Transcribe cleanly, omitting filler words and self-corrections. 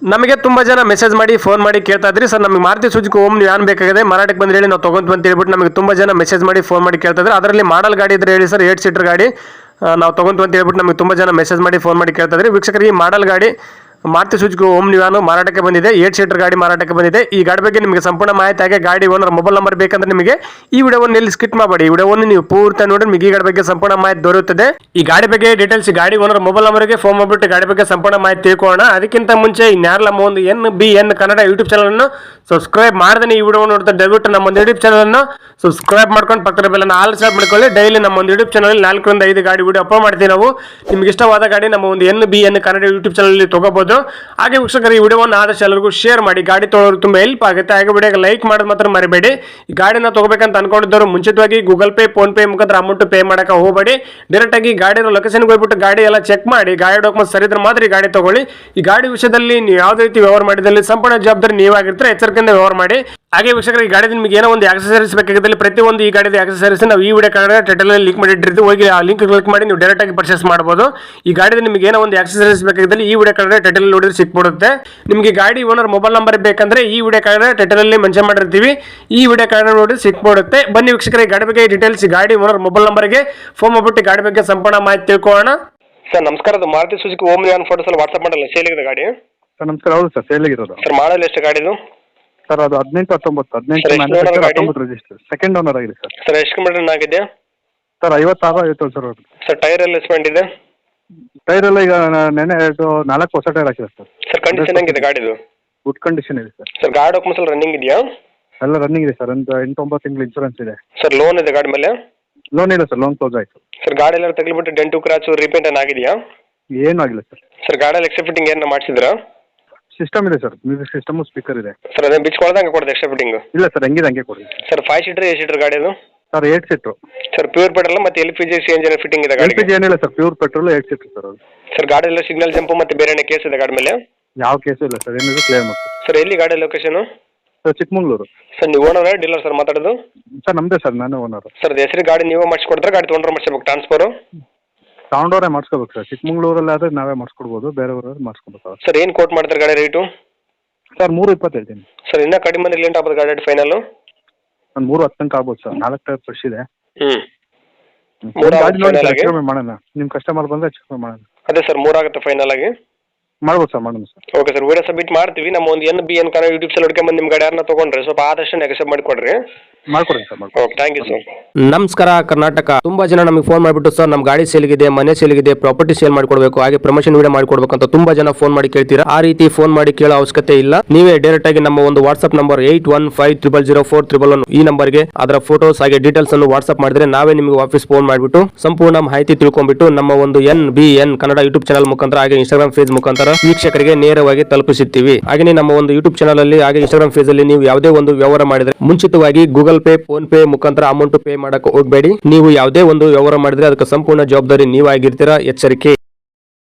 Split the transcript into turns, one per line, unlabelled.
ನಮಗೆ ತುಂಬ ಜನ ಮೆಸೇಜ್ ಮಾಡಿ ಫೋನ್ ಮಾಡಿ ಕೇಳ್ತಾ ಇದ್ರಿ ಸರ್ ನಮಗೆ ಮಾರುತಿ ಸುಜುಕಿ ಓಮ್ನಿ ವ್ಯಾನ್ ಬೇಕಾಗಿದೆ ಮಾರಾಟಕ್ಕೆ ಬಂದ್ರೆ ಹೇಳಿ ನಾವು ತೊಗೊಂತೀವಿ ಅಂತ ಹೇಳ್ಬಿಟ್ಟು ನಮಗೆ ತುಂಬ ಜನ ಮೆಸೇಜ್ ಮಾಡಿ ಫೋನ್ ಮಾಡಿ ಕೇಳ್ತಾ ಇದ್ದಾರೆ. ಅದರಲ್ಲಿ ಮಾಡಲ್ ಗಾಡಿ ಇದ್ರೆ ಹೇಳಿ ಸರ್ 8 ಸೀಟರ್ ಗಾಡಿ ನಾವು ತೊಗೊಂತೀವಿ ಅಂತ ಹೇಳ್ಬಿಟ್ಟು ನಮಗೆ ತುಂಬ ಜನ ಮೆಸೇಜ್ ಮಾಡಿ ಫೋನ್ ಮಾಡಿ ಕೇಳ್ತಾ ಇದ್ರಿ. ವೀಕ್ಷಕರಿಗೆ ಈ ಮಾಡಲ್ ಗಾಡಿ ಮಾರುತಿ ಸುಜುಕಿ ಓಮ್ನಿ ವ್ಯಾನ್ ಮಾರಾಟಕ್ಕೆ ಬಂದಿದೆ. 8 ಸೀಟರ್ ಗಾಡಿ ಮಾರಾಟಕ್ಕೆ ಬಂದಿದೆ. ಈ ಗಾಡಿ ಬಗ್ಗೆ ನಿಮಗೆ ಸಂಪೂರ್ಣ ಮಾಹಿತಿ ಹಾಗೆ ಗಾಡಿ ಓನರ್ ಮೊಬೈಲ್ ನಂಬರ್ ಬೇಕಂದ್ರೆ ನಿಮಗೆ ಈ ವಿಡಿಯೋವನ್ನು ಇಲ್ಲಿ ಸ್ಕಿಪ್ ಮಾಡಬೇಡಿ. ಈ ವಿಡಿಯೋವನ್ನು ನೀವು ಪೂರ್ತಿ ನೋಡಿ ನಿಮಗೆ ಈ ಗಾಡಿ ಬಗ್ಗೆ ಸಂಪೂರ್ಣ ಮಾಹಿತಿ ದೊರೆಯುತ್ತದೆ. ಈ ಗಾಡಿ ಬಗ್ಗೆ ಡೀಟೇಲ್ಸ್ ಗಾಡಿ ಓನರ್ ಮೊಬೈಲ್ ನಂಬರ್ಗೆ ಫೋನ್ ಮಾಡಿಬಿಟ್ಟು ಗಾಡಿ ಬಗ್ಗೆ ಸಂಪೂರ್ಣ ಮಾಹಿತಿ ತಿಳ್ಕೊಳ್ಳೋಣ. ಅದಕ್ಕಿಂತ ಮುಂಚೆ ಇನ್ಯಾರಲ್ಲ ಒಂದು NBN ಕನ್ನಡ ಯೂಟ್ಯೂಬ್ ಚಾನಲ್ ಅನ್ನು ಸಬ್ಸ್ಕ್ರೈಬ್ ಮಾಡದೇ ಈ ವಿಡಿಯೋ ನೋಡ್ತಾ ದಯವಿಟ್ಟು ನಮ್ಮ ಒಂದು ಯೂಟ್ಯೂಬ್ ಚಾನಲ್ ಅನ್ನು ಸಬ್ಸ್ಕ್ರೈಬ್ ಮಾಡ್ಕೊಂಡು ಪಕ್ಕದ ಬೆಲ್ಲನ್ನು ಆಲ್ ಸಬ್ ಮಾಡ್ಕೊಳ್ಳಿ. ಡೈಲಿ ನಮ್ಮ ಒಂದು ಯೂಟ್ಯೂಬ್ ಚಾನಲ್ 4 ರಿಂದ 5 ಗಾಡಿ ವಿಡಿಯೋ ಅಪ್ಲೋಡ್ ಮಾಡ್ತೀವಿ ನಾವು. ನಿಮ್ಗೆ ಇಷ್ಟವಾದ ಗಾಡಿ ನಮ್ಮ ಒಂದು NBN ಕನ್ನಡ ಯೂಟ್ಯೂಬ್ ಚಾನಲ್ ತಗೋಬಹುದು. ಹಾಗೆ ವೀಕ್ಷಕರು ಈ ವಿಡಿಯೋವನ್ನು ಆದಷ್ಟು ಎಲ್ಲರಿಗೂ ಶೇರ್ ಮಾಡಿ. ಗಾಡಿ ತೊಗೊಳ್ಳೋರು ತುಂಬ ಹೆಲ್ಪ್ ಆಗುತ್ತೆ. ಹಾಗೆ ವಿಡಿಯೋಗೆ ಲೈಕ್ ಮಾಡೋದು ಮಾತ್ರ ಮರಿಬೇಡಿ. ಈ ಗಾಡಿನ ತಗೋಬೇಕಂತ ಅನ್ಕೊಂಡಿದ್ದವರು ಮುಂಚಿತವಾಗಿ ಗೂಗಲ್ ಪೇ ಫೋನ್ ಪೇ ಮುಖಾಂತರ ಅಮೌಂಟ್ ಪೇ ಮಾಡಕ್ಕೆ ಹೋಗಬೇಡಿ. ಡೈರೆಕ್ಟ್ ಆಗಿ ಗಾಡಿ ಲೊಕೇಶನ್ಗೆ ಹೋಗ್ಬಿಟ್ಟು ಗಾಡಿ ಎಲ್ಲ ಚೆಕ್ ಮಾಡಿ ಗಾಡಿ ಡಾಕ್ಯುಮೆಂಟ್ಸ್ ಸರಿ ಇದ್ರೆ ಮಾತ್ರ ಈ ಗಾಡಿ ತಗೊಳ್ಳಿ. ಈ ಗಾಡಿ ವಿಷಯದಲ್ಲಿ ನೀವು ಯಾವುದೇ ರೀತಿ ವ್ಯವಹಾರ ಮಾಡಿದಲ್ಲಿ ಸಂಪೂರ್ಣ ಜವಾಬ್ದಾರಿ ನೀವಾಗಿರ್ತಾರೆ. ಎಚ್ಚರಿಕೆಯಿಂದ ವ್ಯವಹಾರ ಮಾಡಿ. ಹಾಗೆ ವೀಕ್ಷಕರು ಈ ಗಾಡಿ ನಿಮಗೆ ಏನೋ ಒಂದು ಆಕ್ಸೆಸರೀಸ್ ಬೇಕಾಗಿದ್ದಲ್ಲಿ ಪ್ರತಿಯೊಂದು ಈ ಗಾಡಿದ ಆಕ್ಸೆಸರೀಸ್ ನಾವು ಈ ವಿಡಿಯೋ ಕಾರ್ಡ್ ಟೈಟಲ್ ಲಿಂಕ್ ಮಾಡಿಟ್ಟಿರ್ತೀವಿ. ಹೋಗಿ ಆ ಲಿಂಕ್ ಕ್ಲಿಕ್ ಮಾಡಿ ನೀವು ಡೈರೆಕ್ಟ್ ಆಗಿ ಪರ್ಚೇಸ್ ಮಾಡಬಹುದು. ಈ ಗಾಡಿದ ನಿಮಗೆ ಏನೋ ಒಂದು ಆಕ್ಸೆಸರೀಸ್ ಬೇಕಾಗಿದ್ದಲ್ಲಿ ಈ ವಿಡಿಯೋ ಕಾರ್ಡ್ ಟೈಟಲ್ ನೋಡಿದ್ರೆ ಸಿಕ್ಬಿಡುತ್ತೆ. ನಿಮಗೆ ಗಾಡಿ ಓನರ್ ಮೊಬೈಲ್ ನಂಬರ್ ಬೇಕಂದ್ರೆ ಈ ವಿಡಿಯೋ ಕಾರ್ಡ್ ಟೈಟಲ್ ಅಲ್ಲಿ ಮೆನ್ಷನ್ ಮಾಡಿರ್ತೀವಿ. ಈ ವಿಡಿಯೋ ಕಾರ್ಡ್ ನೋಡಿ ಸಿಕ್ಬಿಡುತ್ತೆ. ಬನ್ನಿ ವೀಕ್ಷಕರ ಈ ಗಾಡಿ ಬಗ್ಗೆ ಡೀಟೇಲ್ಸ್ ಗಾಡಿ ಓನರ್ ಮೊಬೈಲ್ ನಂಬರ್ಗೆ ಫೋನ್ ಮಾಡ್ಬಿಟ್ಟು ಗಾಡಿ ಬಗ್ಗೆ ಸಂಪೂರ್ಣ ಮಾಹಿತಿ ತಿಳ್ಕೊಳ್ಳೋಣ. ಸರ್ ನಮಸ್ಕಾರ, ಅದು Maruti Suzuki Omni van photos ಅಲ್ಲಿ ವಾಟ್ಸ್ಆಪ್ ಮಾಡಲ್ಲ ಸೇಲಿಗಿದೆ ಗಾಡಿ.
ಸರ್ ನಮಸ್ಕಾರ. ಹೌದು ಸರ್, ಸೇಲಿಗಿರೋದು.
ಸರ್ ಮಾಡಲ್ ಎಷ್ಟು ಗಾಡಿದು?
ಸರ್ ಅದು 18 ರಿಜಿಸ್ಟರ್ ಸೆಕೆಂಡ್ ಓನರ್ ಆಗಿದೆ ಸರ್.
ಸರ್ ಎಷ್ಟು ಕಿಲೋಮೀಟರ್ ಆಗಿದೆ?
Sir 56 sir.
ಸರ್ ಟೈರ್ ಎಲ್ಲ ಎಸ್ಪೆಂಡ್ ಇದೆ?
ಟೈರ್ ಎಲ್ಲ ಈಗ ನೆನೆ 4 ಹೊಸ ಟೈರ್ ಹಾಕಿದೆ ಸರ್.
ಸರ್ ಕಂಡೀಷನ್ ಹೆಂಗಿದೆ ಗಾಡಿದು?
ಗುಡ್ ಕಂಡೀಷನ್ ಇದೆ ಸರ್.
ಸರ್ ಗಾಡಿ ಡಾಕ್ಯುಮೆಂಟ್ಸ್ ಎಲ್ಲ ರನ್ನಿಂಗ್ ಇದೆಯಾ?
ಎಲ್ಲ ರನ್ನಿಂಗ್ ಇದೆ ಸರ್. ಒಂದು 8-9 ತಿಂಗಳು ಇನ್ಶೂರೆನ್ಸ್ ಇದೆ
ಸರ್. ಲೋನ್ ಇದೆ ಗಾಡಿ ಮೇಲೆ?
ಲೋನ್ ಇಲ್ಲ ಸರ್, ಲೋನ್ ಕ್ಲೋಸ್ ಆಯಿತು.
ಸರ್ ಗಾಡಿ ಎಲ್ಲ ತಗ್ಲಿಬಿಟ್ಟು ಡೆಂಟು ಕ್ರಾಚು ರಿಪೇಂಟ್ ಏನು ಆಗಿದೆಯಾ?
ಏನೂ ಆಗಿಲ್ಲ ಸರ್.
ಸರ್ ಗಾಡಿಯಲ್ಲಿ ಎಕ್ಸ್ಟ್ರಾ ಫಿಟ್ಟಿಂಗ್ ಏನು ಮಾಡಿಸಿದ್ರಾ?
ಸಿಸ್ಟಮ್ ಇದೆ ಸರ್, ಮ್ಯೂಸಿಕ್ ಸಿಸ್ಟಮ್, ಸ್ಪೀಕರ್ ಇದೆ.
ಸರ್ ಅದೇ ಬಿಚ್ಕೊಳ್ದಂಗೆ ಕೊಡೋದು ಎಕ್ಸ್ಟ್ರಾ ಫಿಟ್ಟಿಂಗ್?
ಇಲ್ಲ ಸರ್, ಹಂಗಿದೆ ಹಂಗೆ ಕೊಡಿ.
ಸರ್ 5 ಸೀಟರ್ 8 ಸೀಟರ್ ಗಾಡಿ ಅದು?
ಸರ್ 8 ಸೀಟ್ರು.
ಸರ್ ಪ್ಯೂರ್ ಪೆಟ್ರೋಲ್ ಮತ್ತೆ LPG CNG ಫಿಟ್ಟಿಂಗ್ ಇದೆ ಗಾಡಿ?
LPG ಏನಿಲ್ಲ ಸರ್, ಪ್ಯೂರ್ ಪೆಟ್ರೋಲ್ 8 ಸೀಟ್ರು ಸರ್ ಅದು.
ಸರ್ ಗಾಡಿ ಎಲ್ಲ ಸಿಗ್ನಲ್ ಜಂಪು ಮತ್ತೆ ಬೇರೆ ಏನೇ ಕೇಸ್ ಇದೆ ಗಾಡಿ ಮೇಲೆ?
ಯಾವ ಕೇಸು ಇಲ್ಲ ಸರ್, ಏನಿದೆ ಕ್ಲಿಯರ್ ಮಾಡ್ತೀವಿ.
ಸರ್ ಎಲ್ಲಿ ಗಾಡಿ ಲೊಕೇಶನ್?
ಸರ್ ಚಿಕ್ಕಮಂಗ್ಳೂರು.
ಸರ್ ನೀವು ಓನರ್ ಡೀಲರ್ ಸರ್ ಮಾತಾಡೋದು?
ಸರ್ ನಮ್ಮದೇ ಸರ್, ನಾನೇ ಓನರು.
ಸರ್ ಹೆಸರು ಗಾಡಿ ನೀವೇ ಮಾಡಿಸ್ಕೊಡ್ತಾರೆ ಗಾಡಿ ತೊಗೊಂಡ್ರೆ ಮಾಡಿಸ್ಬೇಕು ಟ್ರಾನ್ಸ್ಫರು?
ತಗೊಂಡವ್ರೆ ಮಾಡಿಸ್ಕೋಬೇಕು ಸರ್. ಚಿಕ್ಕಮಂಗ್ಳೂರಲ್ಲಿ ಆದರೆ ನಾವೇ ಮಾಡಿಸ್ಕೊಡ್ಬೋದು, ಬೇರೆಯವ್ರಾದ್ರೆ ಮಾಡಿಸ್ಕೊಬೇಕು.
ಸರ್ ಏನು ಕೋಟ್ ಮಾಡ್ತಾರೆ ಗಾಡಿ ರೇಟು?
ಸರ್ 3.20 ಹೇಳ್ತೀನಿ
ಸರ್. ಇನ್ನೂ ಕಡಿಮೆ ಅಂದ್ರೆ ಲೇಟ್ ಆಗ್ಬೋದು ಗಾಡಿ ಫೈನಲ್?
ಒಂದು 3.10 ತನಕ ಆಗ್ಬೋದು ಸರ್. 4 ಟೈರ್ ಫ್ರೆಶ್ ಇದೆ. ಮಾಡೋಣ, ನಿಮ್ಮ ಕಸ್ಟಮರ್ ಬಂದರೆ ಹೆಚ್ಚು ಕಮ್ಮಿ ಮಾಡೋಣ.
ಅದೇ ಸರ್ 3 ಆಗುತ್ತೆ ಫೈನಲ್ ಆಗಿ?
ಮಾಡ್ಬೋದು ಸರ್, ಮಾಡೋಣ sir.
Okay sir, video submit ಮಾಡ್ತೀವಿ. ನಮ್ಮ ಒಂದು NBN ಕನ್ನಡ ಯೂಟ್ಯೂಬ್ ಚಾನಲ್ ಹುಡ್ಕೊಂಬಂದು ನಿಮ್ಮ ಗಾಡಿ ಯಾರನ್ನ ತೊಗೊಂಡ್ರೆ ಸ್ವಲ್ಪ ಆದಷ್ಟು ನೆಗೆಸೆಪ್ಟ್ ಮಾಡಿಕೊಡ್ರಿ.
ಮಾಡ್ಕೊಡಿ sir.
Okay, thank you sir.
ನಮಸ್ಕಾರ ಕರ್ನಾಟಕ. ತುಂಬಾ ಜನ ನಮಗೆ ಫೋನ್ ಮಾಡಿಬಿಟ್ಟು ಸರ್ ನಮ್ಮ ಗಾಡಿ ಸೇಲ್ಗಿದೆ, ಮನೆ ಸೇಲ್ಗಿದೆ, ಪ್ರಾಪರ್ಟಿ ಸೇಲ್ ಮಾಡಿಕೊಡ್ಬೇಕು, ಹಾಗೆ ಪ್ರಮೋಷನ್ ವಿಡಿಯೋ ಮಾಡಿಕೊಡ್ಬೇಕು ಅಂತ ತುಂಬಾ ಜನ ಫೋನ್ ಮಾಡಿ ಕೇಳ್ತೀರಾ. ಆ ರೀತಿ ಫೋನ್ ಮಾಡಿ ಕೇಳೋ ಅವಶ್ಯಕತೆ ಇಲ್ಲ. ನೀವೇ ಡೈರೆಕ್ಟ್ ಆಗಿ ನಮ್ಮ ಒಂದು ವಾಟ್ಸ್ಆಪ್ ನಂಬರ್ 81500411 ಈ ನಂಬರ್ಗೆ ಅದರ ಫೋಟೋಸ್ ಹಾಗೆ ಡೀಟೇಲ್ಸ್ ಅನ್ನು ವಾಟ್ಸ್ಆಪ್ ಮಾಡಿದ್ರೆ ನಾವೇ ನಿಮಗೆ ವಾಪಸ್ ಫೋನ್ ಮಾಡಿಬಿಟ್ಟು ಸಂಪೂರ್ಣ ಮಾಹಿತಿ ತಿಳ್ಕೊಂಡ್ಬಿಟ್ಟು ನಮ್ಮ ಒಂದು NBN ಕನ್ನಡ ಯೂಟ್ಯೂಬ್ ಚಾನಲ್ ಮುಖಾಂತರ ಹಾಗೆ ಇನ್ಸ್ಟಾಗ್ರಾಮ್ ಪೇಜ್ ಮುಖಾಂತರ ವೀಕ್ಷಕರಿಗೆ ನೇರವಾಗಿ ತಲುಪಿಸುತ್ತೀವಿ. ಹಾಗೆ ನಮ್ಮ ಒಂದು ಯೂಟ್ಯೂಬ್ ಚಾನಲ್ ಅಲ್ಲಿ ಹಾಗೆ ಇನ್ಸ್ಟಾಗ್ರಾಮ್ ಪೇಜ್ ಅಲ್ಲಿ ನೀವು ಯಾವುದೇ ಒಂದು ವ್ಯವಹಾರ ಮಾಡಿದ್ರೆ ಮುಂಚಿತವಾಗಿ ಗೂಗಲ್ ಪೇ ಫೋನ್ ಪೇ ಮುಖಾಂತರ ಅಮೌಂಟ್ ಪೇ ಮಾಡಕ್ಕೆ ಹೋಗಬೇಡಿ. ನೀವು ಯಾವುದೇ ಒಂದು ವ್ಯವಹಾರ ಮಾಡಿದ್ರೆ ಅದಕ್ಕೆ ಸಂಪೂರ್ಣ ಜವಾಬ್ದಾರಿ ನೀವಾಗಿರ್ತೀರಾ. ಎಚ್ಚರಿಕೆ.